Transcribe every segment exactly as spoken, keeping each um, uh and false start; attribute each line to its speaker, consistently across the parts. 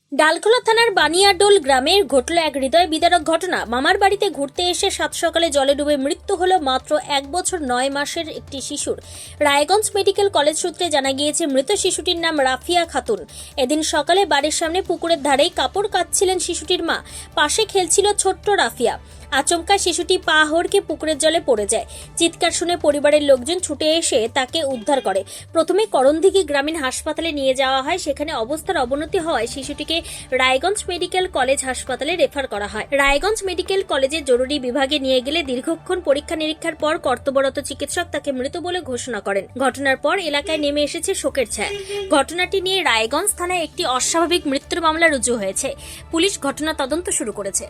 Speaker 1: ডালখোলা থানার বানিয়াডোল গ্রামে ঘটল এক হৃদয় বিদারক ঘটনা। মামার বাড়িতে ঘুরতে এসে সাত সকালে জলে ডুবে মৃত্যু হলো মাত্র এক বছর নয় মাসের একটি শিশুর। রায়গঞ্জ মেডিকেল কলেজ সূত্রে জানা গিয়েছে, মৃত শিশুটির নাম রাফিয়া খাতুন। এদিন সকালে বাড়ির সামনে পুকুরের ধারেই কাপড় কাচছিলেন শিশুটির মা। পাশে খেলছিল ছোট্ট রাফিয়া। আচমকা শিশুটি পা হড়কে পুকুরের জলে পড়ে যায়। চিৎকার শুনে পরিবারের লোকজন ছুটে এসে তাকে উদ্ধার করে। প্রথমে করণদিঘি গ্রামীণ হাসপাতালে নিয়ে যাওয়া হয়। সেখানে অবস্থার অবনতি হওয়ায় শিশুটিকে রায়গঞ্জ মেডিকেল কলেজ হাসপাতালে রেফার করা হয়। রায়গঞ্জ মেডিকেল কলেজের জরুরি বিভাগে নিয়ে গেলে দীর্ঘক্ষণ পরীক্ষা নিরীক্ষার পর কর্তব্যরত চিকিৎসক তাকে মৃত বলে ঘোষণা করেন। ঘটনার পর এলাকায় নেমে এসেছে শোকের ছায়া। ঘটনাটি নিয়ে রায়গঞ্জ থানায় একটি অস্বাভাবিক মৃত্যুর মামলা রুজু হয়েছে। পুলিশ ঘটনা তদন্ত শুরু করেছে।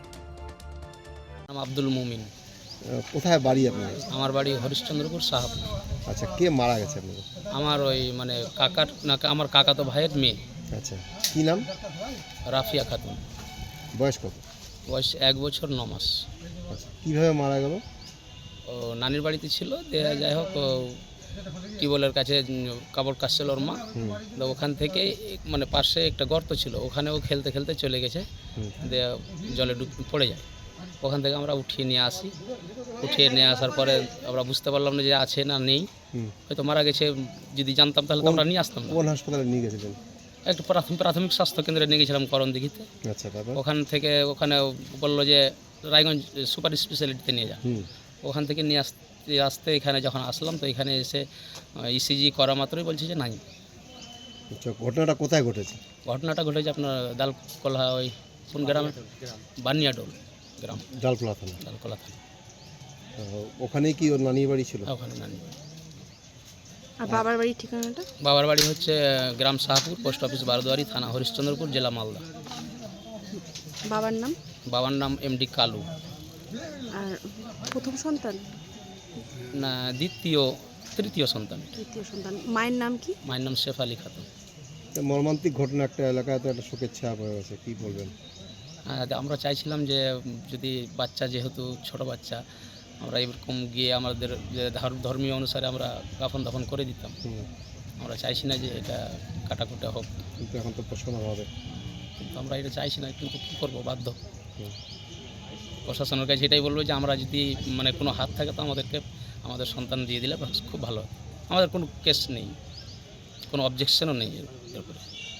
Speaker 2: আব্দুল মুমিন।
Speaker 3: কোথায় বাড়ি আপনার?
Speaker 2: আমার বাড়ি হরিশ্চন্দ্রপুর সাহাপুর।
Speaker 3: আচ্ছা, কে মারা গেছে আপনার?
Speaker 2: আমার ওই মানে কাকার না আমার কাকাতো ভাইয়ের মেয়ে।
Speaker 3: আচ্ছা, কি নাম?
Speaker 2: রাফিয়া খাতুন।
Speaker 3: বয়স কত?
Speaker 2: বয়স এক বছর ন মাস।
Speaker 3: আচ্ছা, কীভাবে মারা গেল?
Speaker 2: ও নানির বাড়িতে ছিল, যাই হোক টিউবওয়েলের কাছে কাপড় কাচছিল ওর মা। তো ওখান থেকে মানে পাশে একটা গর্ত ছিল, ওখানেও খেলতে খেলতে চলে গেছে, দিয়ে জলে ডুব পড়ে যায়। ওখান থেকে আমরা উঠিয়ে নিয়ে আসি। উঠিয়ে নিয়ে আসার পরে আমরা বুঝতে পারলাম না যে আছে না নেই, হয়তো মারা গেছে। যদি জানতাম তাহলে তো আমরা নিয়ে আসতাম না।
Speaker 3: কোন হাসপাতালে নিয়ে গেছিলেন?
Speaker 2: একটা প্রাথমিক প্রাথমিক স্বাস্থ্য কেন্দ্রে নিয়ে গেছিলাম করণদিঘিতে।
Speaker 3: আচ্ছা, তারপর
Speaker 2: ওখান থেকে ওখানে বললো যে রায়গঞ্জ সুপার স্পেশালিটিতে নিয়ে যান। ওখান থেকে নিয়ে আসতে আসতে এখানে যখন আসলাম, তো এখানে এসে ইসিজি করা মাত্রই বলছে যে নাই।
Speaker 3: আচ্ছা, ঘটনাটা কোথায় ঘটেছে?
Speaker 2: ঘটনাটা ঘটেছে আপনার ডালকোলা, ওই কোন গ্রামে? বানিয়াডোল গ্রাম,
Speaker 3: ডালখোলা থানা।
Speaker 2: ডালকোলা থানা।
Speaker 3: ওখানেই কি ওর নানির বাড়ি ছিল?
Speaker 2: ওখানে নানি।
Speaker 4: আর বাবার বাড়ির ঠিকানাটা?
Speaker 2: বাবার বাড়ি হচ্ছে গ্রাম শাহপুর, পোস্ট অফিস বারদুয়ারি, থানা হরিশ্চন্দ্রপুর, জেলা মালদা।
Speaker 4: বাবার নাম?
Speaker 2: বাবার নাম এমডি কালু।
Speaker 4: আর প্রথম সন্তান
Speaker 2: না দ্বিতীয় তৃতীয় সন্তান।
Speaker 4: তৃতীয় সন্তান। মায়ের নাম কি?
Speaker 2: মায়ের নাম শেফ আলী খাতুন।
Speaker 3: মর্মান্তিক ঘটনা, একটা এলাকায় তো একটা শোকের ছায়া পড়ে গেছে, কী বলবেন?
Speaker 2: হ্যাঁ, আমরা চাইছিলাম যে যদি বাচ্চা, যেহেতু ছোট বাচ্চা, আমরা এরকম গিয়ে আমাদের যে ধর্মীয় অনুসারে আমরা কাফন দাফন করে দিতাম। আমরা চাইছি না যে এটা কাটাকুটা হোক,
Speaker 3: কিন্তু এখন তো প্রশ্ন হবে,
Speaker 2: কিন্তু আমরা এটা চাইছি না, কিন্তু কী করবো, বাধ্য। প্রশাসনের কাছে এটাই বলবো যে আমরা যদি মানে কোনো হাত থাকে তো আমাদেরকে আমাদের সন্তান দিয়ে দিলে খুব ভালো। আমাদের কোনো কেস নেই, কোনো অবজেকশনও নেই এর উপরে।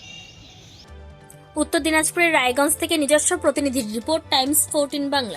Speaker 1: উত্তর দিনাজপুরের রায়গঞ্জ থেকে নিজস্ব প্রতিনিধির রিপোর্ট, টাইমস ফোরটিন বাংলা।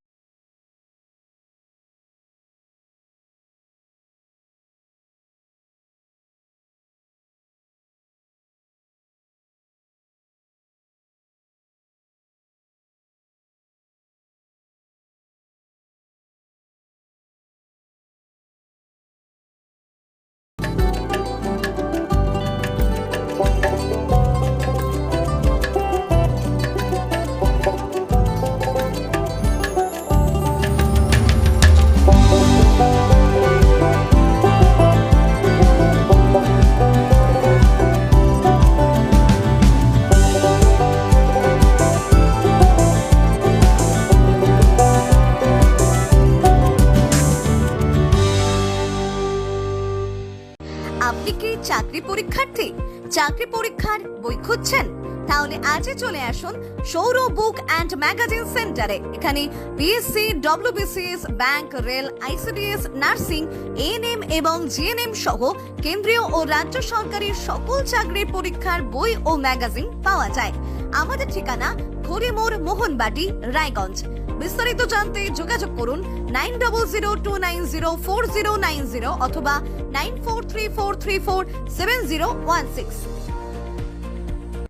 Speaker 5: আপনি কি চাকরি পরীক্ষার্থী? চাকরি পরীক্ষার বই খুঁজছেন? তাহলে আজই চলে আসুন সৌর বুক অ্যান্ড ম্যাগাজিন সেন্টারে। এখানে BSc, WBCS, bank, rail, ICDS, nursing, ANM এবং জিএনএম সহ কেন্দ্রীয় ও রাজ্য সরকারের সকল চাকরির পরীক্ষার বই ও ম্যাগাজিন পাওয়া যায়। আমাদের ঠিকানা খড়িমোড়, মোহনবাটি, রায়গঞ্জ। বিস্তারিত জানতে যোগাযোগ করুন nine double zero two nine zero four zero nine zero অথবা nine four three four three four seven zero one six.